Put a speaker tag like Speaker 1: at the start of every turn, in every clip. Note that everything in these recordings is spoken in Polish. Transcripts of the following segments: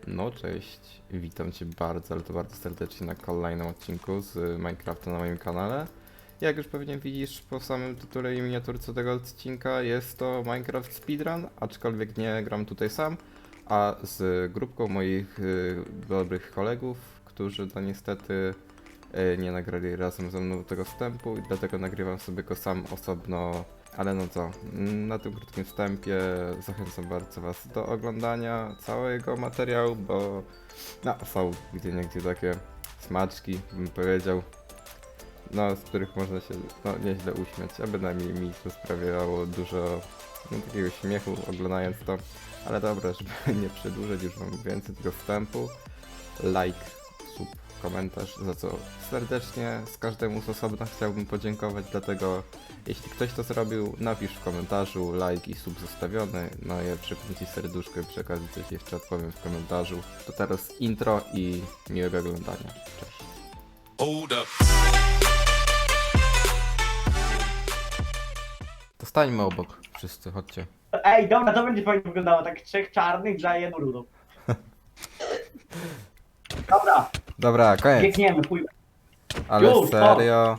Speaker 1: No cześć, witam Cię bardzo, ale to bardzo serdecznie na kolejnym odcinku z Minecrafta na moim kanale. Jak już pewnie widzisz po samym tytule i miniaturce tego odcinka, jest to Minecraft Speedrun, aczkolwiek nie gram tutaj sam, a z grupką moich dobrych kolegów, którzy no niestety nie nagrali razem ze mną tego wstępu i dlatego nagrywam sobie go sam osobno. Ale no co, na tym krótkim wstępie zachęcam bardzo Was do oglądania całego materiału, bo no, są gdzieniegdzie takie smaczki, bym powiedział, no, z których można się no, nieźle uśmiać, a bynajmniej mi to sprawiało dużo takiego śmiechu oglądając to. Ale dobra, żeby nie przedłużać, już mam więcej tego wstępu. Like, sub, komentarz, za co serdecznie z każdemu z osobna chciałbym podziękować, dlatego jeśli ktoś to zrobił, napisz w komentarzu, like i sub zostawiony, no ja przypnę Ci serduszko i przy okazji coś jeszcze odpowiem w komentarzu. To teraz intro i miłego oglądania. Cześć.
Speaker 2: Hold up.
Speaker 1: To stańmy obok wszyscy, chodźcie.
Speaker 3: Ej, dobra, to będzie fajnie wyglądało, tak trzech czarnych za jedną rudą. Dobra,
Speaker 1: Dobra, koniec.
Speaker 3: biegniemy, chuj.
Speaker 1: Ale
Speaker 3: Już,
Speaker 1: serio.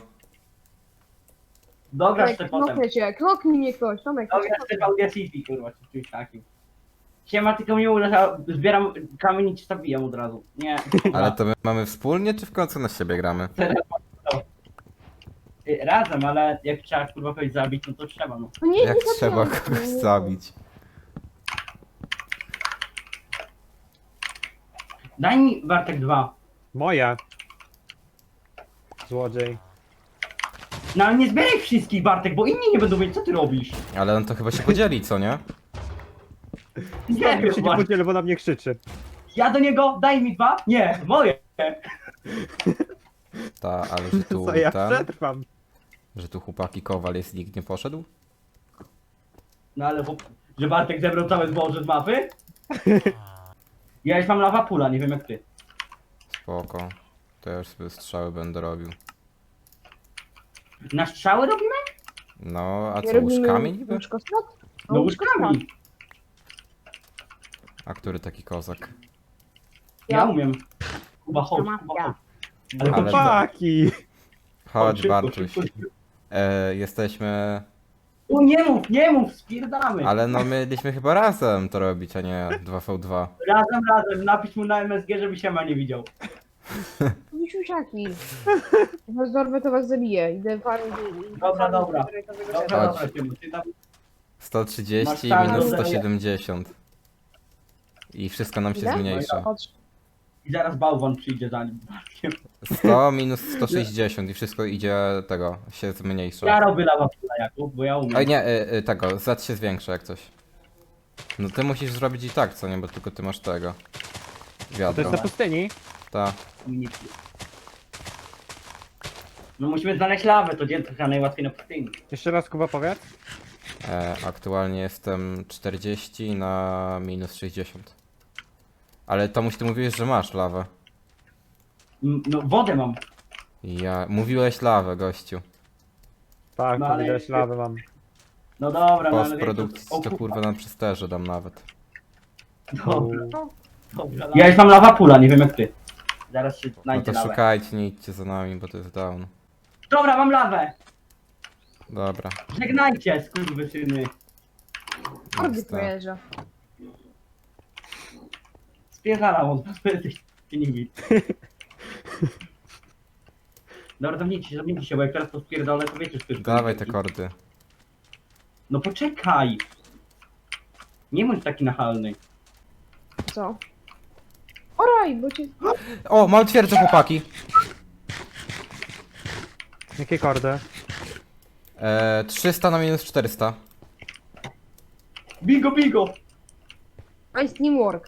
Speaker 3: Dobra,
Speaker 4: Tomek,
Speaker 3: jeszcze potem.
Speaker 4: knoknę cię, knoknij mnie ktoś, Tomek.
Speaker 3: Dobra, jeszcze w Audacity, kurwa, czy czymś takim. Siema, tylko mnie uda, zbieram kamień i cię zabijam od razu. Nie,
Speaker 1: Ale to my mamy wspólnie, czy w końcu na siebie gramy?
Speaker 3: razem, ale jak trzeba kurwa kogoś zabić, no to trzeba, no.
Speaker 4: No nie,
Speaker 1: Jak
Speaker 4: nie
Speaker 1: trzeba
Speaker 4: zabijam.
Speaker 1: kogoś zabić?
Speaker 3: Daj mi Bartek 2.
Speaker 5: Moja. Złodziej.
Speaker 3: No ale nie zbieraj wszystkich, Bartek, bo inni nie będą wiedzieć, co ty robisz.
Speaker 1: Ale on to chyba się podzieli, co nie?
Speaker 3: Nie
Speaker 5: Ja
Speaker 3: wiem,
Speaker 5: się nie
Speaker 3: Bartek.
Speaker 5: podzielę, bo na mnie krzyczy.
Speaker 3: Ja do niego, daj mi 2. Nie, moje.
Speaker 1: Ta, ale że tu
Speaker 5: Co ja
Speaker 1: ten,
Speaker 5: przetrwam?
Speaker 1: że tu chłopaki Kowal jest, nikt nie poszedł?
Speaker 3: No ale że Bartek zebrał całe zboże z mapy? Ja już mam lawa pula, nie wiem jak ty.
Speaker 1: Spoko. To ja już sobie strzały będę robił.
Speaker 3: Na strzały robimy?
Speaker 1: No, a
Speaker 4: Nie
Speaker 1: co,
Speaker 4: robimy
Speaker 1: łóżkami niby?
Speaker 4: łóżkospat?
Speaker 3: No łóżkami.
Speaker 1: A który taki kozak?
Speaker 3: Ja umiem. Kuba, chodź,
Speaker 4: Ja.
Speaker 3: Kuba, chodź. Ale
Speaker 1: Ale-
Speaker 3: chodź,
Speaker 5: Chłopaki!
Speaker 1: Chodź,
Speaker 3: szybko,
Speaker 1: Bartuś.
Speaker 3: szybko, szybko.
Speaker 1: Jesteśmy...
Speaker 3: O, nie mów, spierdamy.
Speaker 1: Ale no mieliśmy chyba razem to robić, a nie 2v2.
Speaker 3: Razem, napisz mu na MSG, żeby się ma nie widział.
Speaker 4: Misiusiaki. Jak was dorwę, to was zabiję. Idę farmić i...
Speaker 3: Dobra.
Speaker 4: Dobra.
Speaker 3: Dobra,
Speaker 1: Chodź.
Speaker 3: ty tam
Speaker 1: 130
Speaker 3: Masz
Speaker 1: minus
Speaker 3: tak,
Speaker 1: 170. I wszystko nam się
Speaker 4: Ile?
Speaker 1: zmniejsza.
Speaker 3: i zaraz bałwan przyjdzie za nim.
Speaker 1: 100 minus 160 i wszystko idzie tego, się zmniejsza.
Speaker 3: Ja robię lawa pula, Jakub, bo ja umiem.
Speaker 1: Oj nie, tego, Z się zwiększa jak coś. No ty musisz zrobić i tak, co nie, bo tylko ty masz tego.
Speaker 5: To
Speaker 1: Wiadro.
Speaker 5: jest na pustyni?
Speaker 1: Ta.
Speaker 3: No musimy znaleźć lawę, to dzień trochę najłatwiej na pustyni.
Speaker 5: Jeszcze raz Kuba powiedz.
Speaker 1: Aktualnie jestem 40 na minus 60. Ale Tomuś, ty mówiłeś, że masz lawę.
Speaker 3: No wodę mam.
Speaker 1: Mówiłeś lawę, gościu.
Speaker 5: Tak,
Speaker 3: No,
Speaker 5: no,
Speaker 3: ale-
Speaker 5: widać lawę mam.
Speaker 3: No dobra, no ale...
Speaker 1: Postprodukcji
Speaker 3: O,
Speaker 1: to kurwa na przesterze dam nawet.
Speaker 3: Dobra, dobra. Ja już mam lawa pula, nie wiem jak ty. Zaraz się
Speaker 1: No
Speaker 3: znajdzie
Speaker 1: to
Speaker 3: lawę.
Speaker 1: szukajcie, nie idźcie za nami, bo to jest down.
Speaker 3: Dobra, mam lawę!
Speaker 1: Dobra.
Speaker 3: Żegnajcie, skurwysyny.
Speaker 4: Ordy
Speaker 1: jest to.
Speaker 4: pojeżdża.
Speaker 3: Spierdalam od was, bo jesteście nimi. Dobra, zamknijcie się, bo jak teraz to spierdolę, to wiecie, że to jest
Speaker 1: Dawaj te kordy.
Speaker 3: No poczekaj! Nie bądź taki nachalny.
Speaker 4: Co? Oraj, bo cię...
Speaker 1: O, mam twierdzę, chłopaki.
Speaker 5: Jakie kordy?
Speaker 1: 300 na minus 400.
Speaker 3: Bigo, bigo!
Speaker 4: Nice teamwork.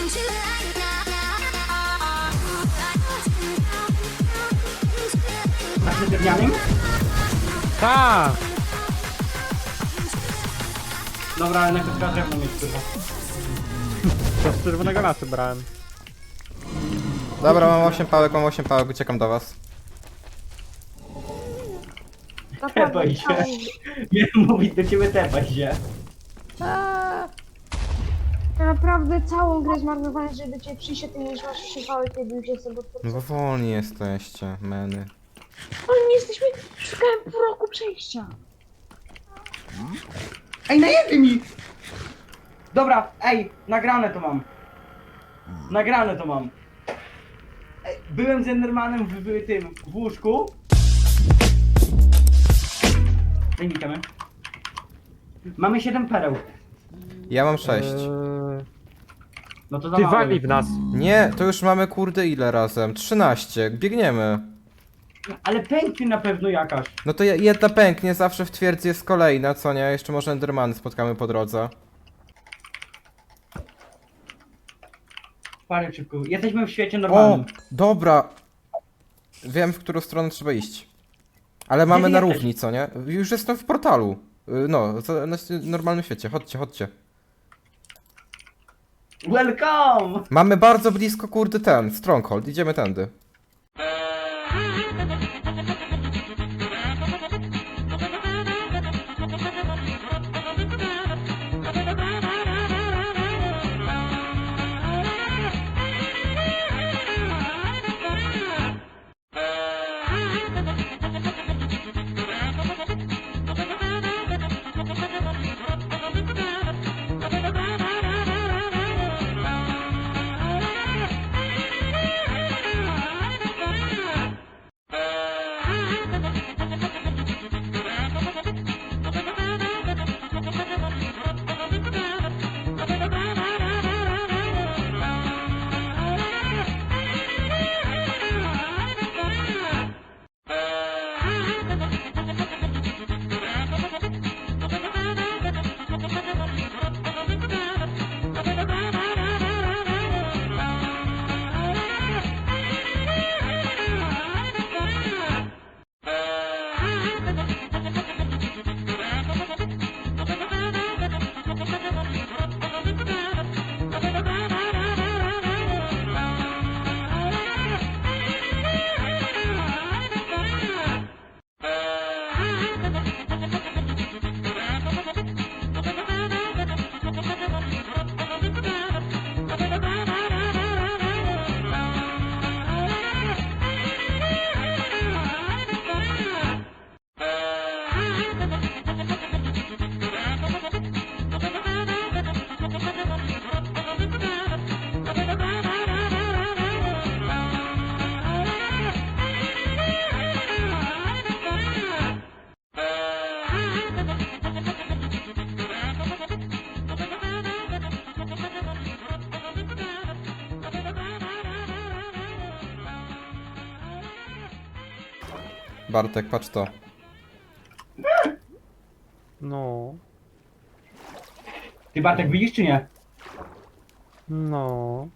Speaker 3: Tak się drewnianym?
Speaker 5: Tak!
Speaker 3: Dobra, ale najpierw trzeba drewno mieć kurwa.
Speaker 5: To z czerwonego lasu brałem.
Speaker 1: Dobra, mam 8 pałek, uciekam do was.
Speaker 4: Naprawdę,
Speaker 3: Tepaj się.
Speaker 4: całą,
Speaker 3: Nie mówić do ciebie tepaj się.
Speaker 4: naprawdę całą grę zmarnowałem, żeby do ciebie przyjść, a ty nie masz przypałek, kiedy już jestem pod
Speaker 1: No bo wolni jesteście, meny.
Speaker 4: Ale nie jesteśmy, szukałem pół roku przejścia.
Speaker 3: Ej, najebie mi! Dobra, ej, nagrane to mam. Nagrane to mam. Ej, byłem z Endermanem w tym, w łóżku. Daj mi kamerę. Mamy 7 pereł.
Speaker 1: Ja mam 6.
Speaker 3: No to za
Speaker 5: Ty
Speaker 3: mało
Speaker 5: wali
Speaker 3: jest.
Speaker 5: w nas.
Speaker 1: Nie, to już mamy kurde ile razem? 13, biegniemy.
Speaker 3: Ale pęknie na pewno jakaś.
Speaker 1: No to jedna pęknie, zawsze w twierdzy jest kolejna, co nie? Jeszcze może Endermany spotkamy po drodze.
Speaker 3: Parę szybko. Jesteśmy w świecie
Speaker 1: O,
Speaker 3: normalnym.
Speaker 1: dobra. Wiem, w którą stronę trzeba iść. Ale mamy
Speaker 3: ty
Speaker 1: na
Speaker 3: jesteś?
Speaker 1: równi, co nie? Już jestem w portalu. No, na normalnym świecie. Chodźcie, chodźcie.
Speaker 3: Welcome!
Speaker 1: Mamy bardzo blisko, kurde, ten, Stronghold. Idziemy tędy. Bartek, patrz to.
Speaker 5: No.
Speaker 3: Ty Bartek widzisz czy nie?
Speaker 5: No.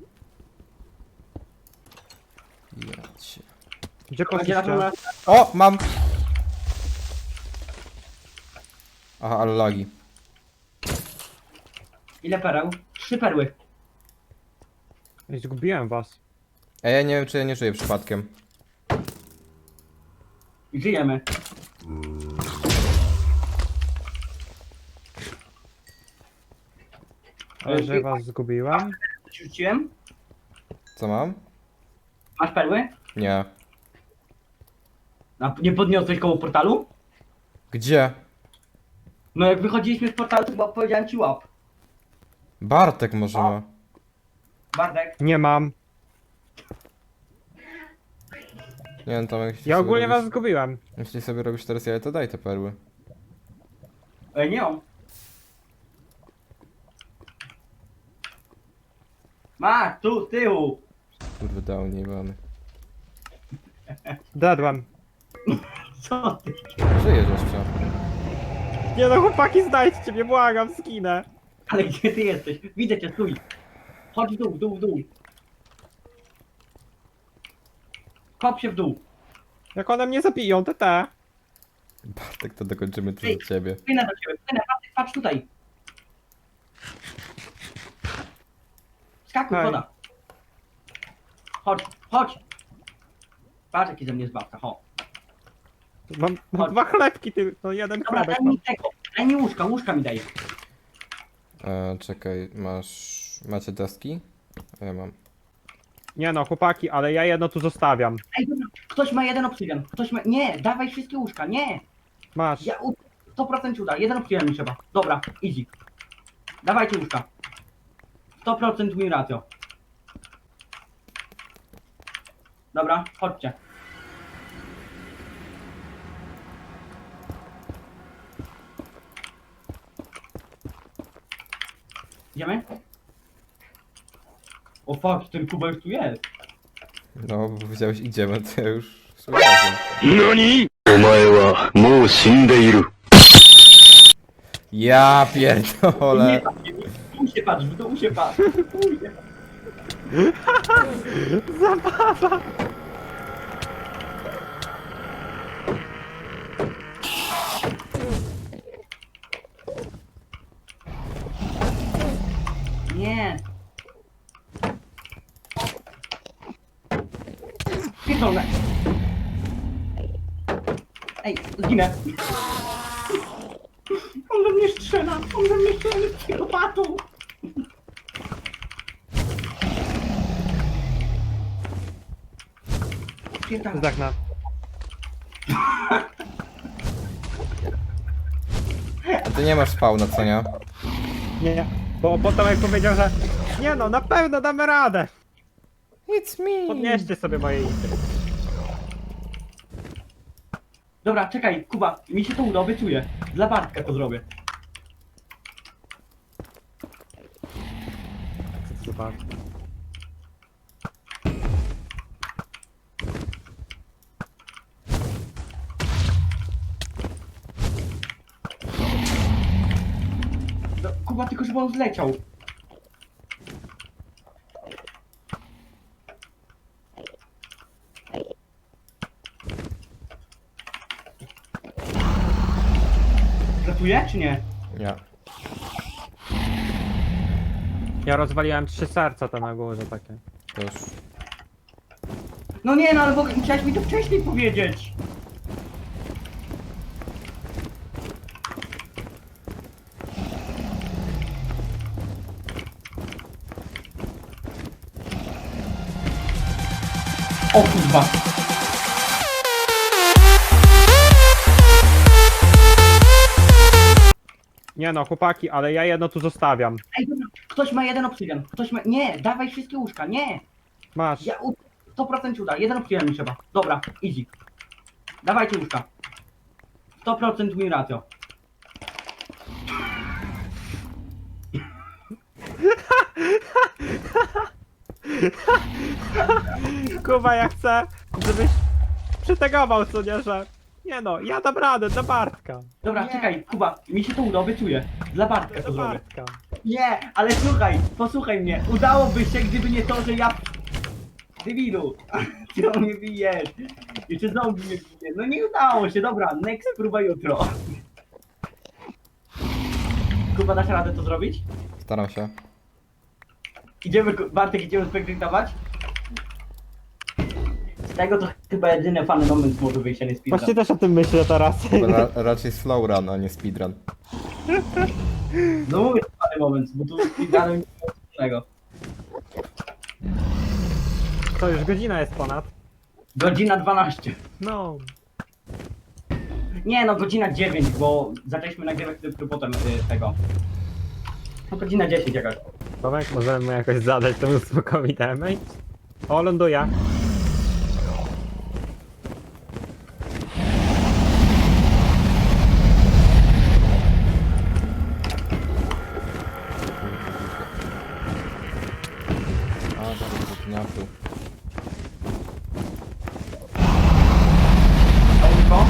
Speaker 1: Jedź.
Speaker 5: Gdzie
Speaker 3: Będzie na pewno...
Speaker 5: poszliście?
Speaker 1: O, mam! Aha, ale lagi.
Speaker 3: Ile pereł? 3 perły.
Speaker 5: Ej, zgubiłem was.
Speaker 1: Ej, ja nie wiem, czy ja nie żyję przypadkiem.
Speaker 3: I żyjemy.
Speaker 5: Ale że was zgubiłem?
Speaker 3: Ci rzuciłem?
Speaker 1: Co mam?
Speaker 3: Masz perły?
Speaker 1: Nie.
Speaker 3: A nie podniosłeś koło portalu?
Speaker 1: Gdzie?
Speaker 3: No jak wychodziliśmy z portalu, to chyba powiedziałem ci łap.
Speaker 1: Bartek może ma.
Speaker 3: Bartek.
Speaker 5: Nie mam.
Speaker 1: Nie wiem, tam jak
Speaker 5: Ja ogólnie was
Speaker 1: robisz,
Speaker 5: zgubiłem.
Speaker 1: jeśli sobie robisz teraz jaja, to daj te perły.
Speaker 3: Ej, nie mam. Masz, tu, z tyłu.
Speaker 1: Kurde, dał, nie mamy.
Speaker 5: Dadłem.
Speaker 3: Co ty?
Speaker 1: Żyjesz jeszcze.
Speaker 5: Nie no chłopaki, znajdźcie mnie, błagam, skinę.
Speaker 3: Ale gdzie ty jesteś? Widzę cię, stój. Chodź w dół, w dół, w dół. Kop się w dół.
Speaker 5: Jak one mnie zabiją, to te.
Speaker 1: Bartek, to dokończymy to do ciebie.
Speaker 3: Płynę do ciebie, płynę, patrz tutaj. Skakuj,
Speaker 5: Hej.
Speaker 3: woda. Chodź, chodź. Patrz jaki ze mnie zbawca, chodź.
Speaker 5: Mam
Speaker 3: Chodź.
Speaker 5: 2 chlebki, no jeden
Speaker 3: Dobra,
Speaker 5: chlebek
Speaker 3: daj
Speaker 5: mam.
Speaker 3: mi tego, daj mi łóżka mi daj.
Speaker 1: Czekaj, macie deski? Ja mam.
Speaker 5: Nie no, chłopaki, ale ja jedno tu zostawiam.
Speaker 3: Ej, dobra, ktoś ma jeden obsydian, ktoś ma... Nie, dawaj wszystkie łóżka, nie.
Speaker 5: Masz.
Speaker 3: 100% ci uda, jeden obsydian mi trzeba. Dobra, easy. Dawajcie łóżka. 100% mi ratio. Dobra, chodźcie. Idziemy? O fuck, ten Kuba już tu jest.
Speaker 1: No, bo powiedziałeś idziemy, to ja już słuchałem.
Speaker 2: 何お前はもう死んでいる。
Speaker 1: Ja
Speaker 3: Nie
Speaker 1: pierdolę.
Speaker 3: patrz, w dół się patrz, w dół się patrz. Kurde.
Speaker 5: Zabawa!
Speaker 3: Nie. Pierdolę. Ej, zginę. On do mnie strzela, jest psychopatą. Pierdolę.
Speaker 5: Zdechna.
Speaker 1: A ty nie masz spawna, co nie?
Speaker 5: Nie, bo potem jak powiedział, że nie no, na pewno damy radę.
Speaker 1: It's me.
Speaker 5: Podnieście sobie moje ity.
Speaker 3: Dobra, czekaj, Kuba, mi się to uda, obiecuję. Dla Bartka to zrobię.
Speaker 5: Co to zobacz?
Speaker 3: No, Kuba, tylko żeby on zleciał. Zlatuje, czy nie?
Speaker 1: Ja.
Speaker 5: Ja rozwaliłem 3 serca te na górze takie.
Speaker 1: To już.
Speaker 3: No nie, no ale chciałeś mi to wcześniej powiedzieć. O kurwa.
Speaker 5: Nie no, chłopaki, ale ja jedno tu zostawiam.
Speaker 3: Ej, dobra, ktoś ma jeden obsydian, ktoś ma... Nie, dawaj wszystkie łóżka, nie.
Speaker 5: Masz.
Speaker 3: 100% ci uda, jeden obsydian mi trzeba. Dobra, easy. Dawajcie łóżka. 100% mi ratio.
Speaker 5: Kuba, ja chcę, żebyś przytegował, co nie, że... Nie no, ja dam radę, do Bartka.
Speaker 3: Dobra,
Speaker 5: Nie.
Speaker 3: czekaj, Kuba, mi się to uda, obiecuję. Dla Bartka to
Speaker 5: Do
Speaker 3: zrobię.
Speaker 5: Bartka.
Speaker 3: Nie, ale słuchaj, posłuchaj mnie. Udałoby się, gdyby nie to, że ja... Debilu, ty o mnie bijesz. Jeszcze zombie mnie bije. No nie udało się, dobra, next próba jutro. Kuba, dasz radę to zrobić?
Speaker 1: Staram się.
Speaker 3: Idziemy, Bartek, idziemy spektaktować? Z tego to chyba jedyny fany moment może wyjść, a nie speedrun.
Speaker 5: Właśnie też o tym myślę teraz.
Speaker 1: Raczej slow run, a nie speedrun.
Speaker 3: No mówię fany moment, bo tu speedrunem nie ma wspólnego.
Speaker 5: To już godzina jest ponad.
Speaker 3: Godzina 12.
Speaker 5: No.
Speaker 3: Nie no, godzina 9, bo zaczęliśmy nagrywać dopiero potem tego. No godzina 10 jakaś.
Speaker 5: Tomek, możemy mu jakoś zadać temu smokowi damage? O, ląduje.
Speaker 1: A, bardzo zapinaku.
Speaker 3: Ołko.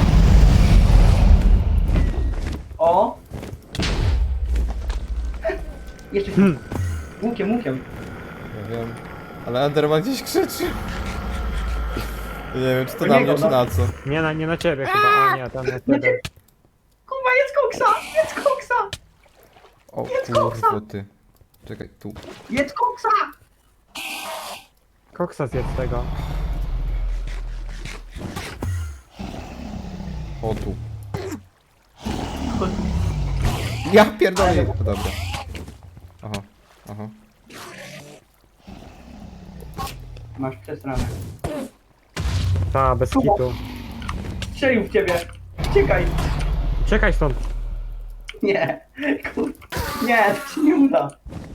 Speaker 3: O! Jeszcze łukiem.
Speaker 1: wiem. Ale Enderman gdzieś krzyczy. Nie wiem, czy to
Speaker 3: To
Speaker 1: na
Speaker 3: nie
Speaker 1: mnie,
Speaker 3: go,
Speaker 1: czy
Speaker 3: no.
Speaker 1: na co.
Speaker 5: Nie na ciebie chyba, o nie, tam na ciebie.
Speaker 3: Kurwa, jest koksa! Jest koksa!
Speaker 1: O
Speaker 3: Jest koksa!
Speaker 1: kurwa ty. Czekaj, tu.
Speaker 3: Jest koksa!
Speaker 5: Koksa zjedz tego.
Speaker 1: O tu. Ja pierdolę. O, dobra. Aha, aha.
Speaker 3: Masz przesranę.
Speaker 5: Ta, bez kitu.
Speaker 3: Strzelił w ciebie! Uciekaj!
Speaker 5: Uciekaj stąd.
Speaker 3: Nie! Kur... Nie, to się nie uda!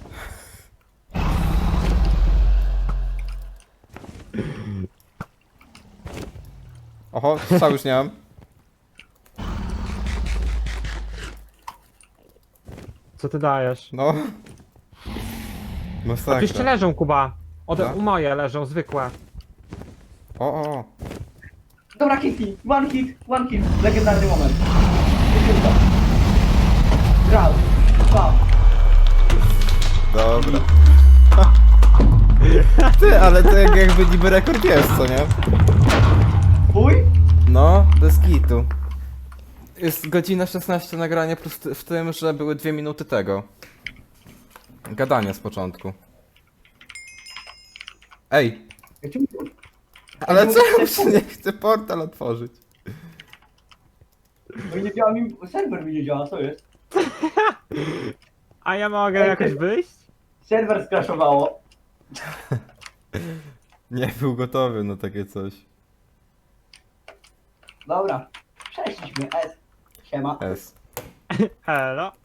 Speaker 1: Oho, strzał już nie mam.
Speaker 5: Co ty dajesz?
Speaker 1: No.
Speaker 5: A tu jeszcze
Speaker 1: Masakra.
Speaker 5: leżą, Kuba.
Speaker 1: Tak?
Speaker 5: U moje leżą, zwykłe.
Speaker 1: O.
Speaker 3: Dobra, Kitty! One hit! Legendarny moment. Sekunda. Raz, dwa.
Speaker 1: Dobra. Ty, ale to jakby niby rekord jest, co nie?
Speaker 3: Twój?
Speaker 1: No, bez kitu. Jest godzina 16 nagrania plus w tym, że były 2 minuty tego. Gadania z początku. Ej,
Speaker 3: Ja ci mówię.
Speaker 1: ale czemu się nie chce portal otworzyć?
Speaker 3: Bo nie działa mi... Serwer mi nie działa, co jest?
Speaker 5: A ja mogę
Speaker 3: Ej,
Speaker 5: jakoś
Speaker 3: ty-
Speaker 5: wyjść?
Speaker 3: Serwer skraszowało.
Speaker 1: Nie był gotowy na takie coś.
Speaker 3: Dobra. Przeszliśmy. S. Siema.
Speaker 1: S.
Speaker 5: Hello.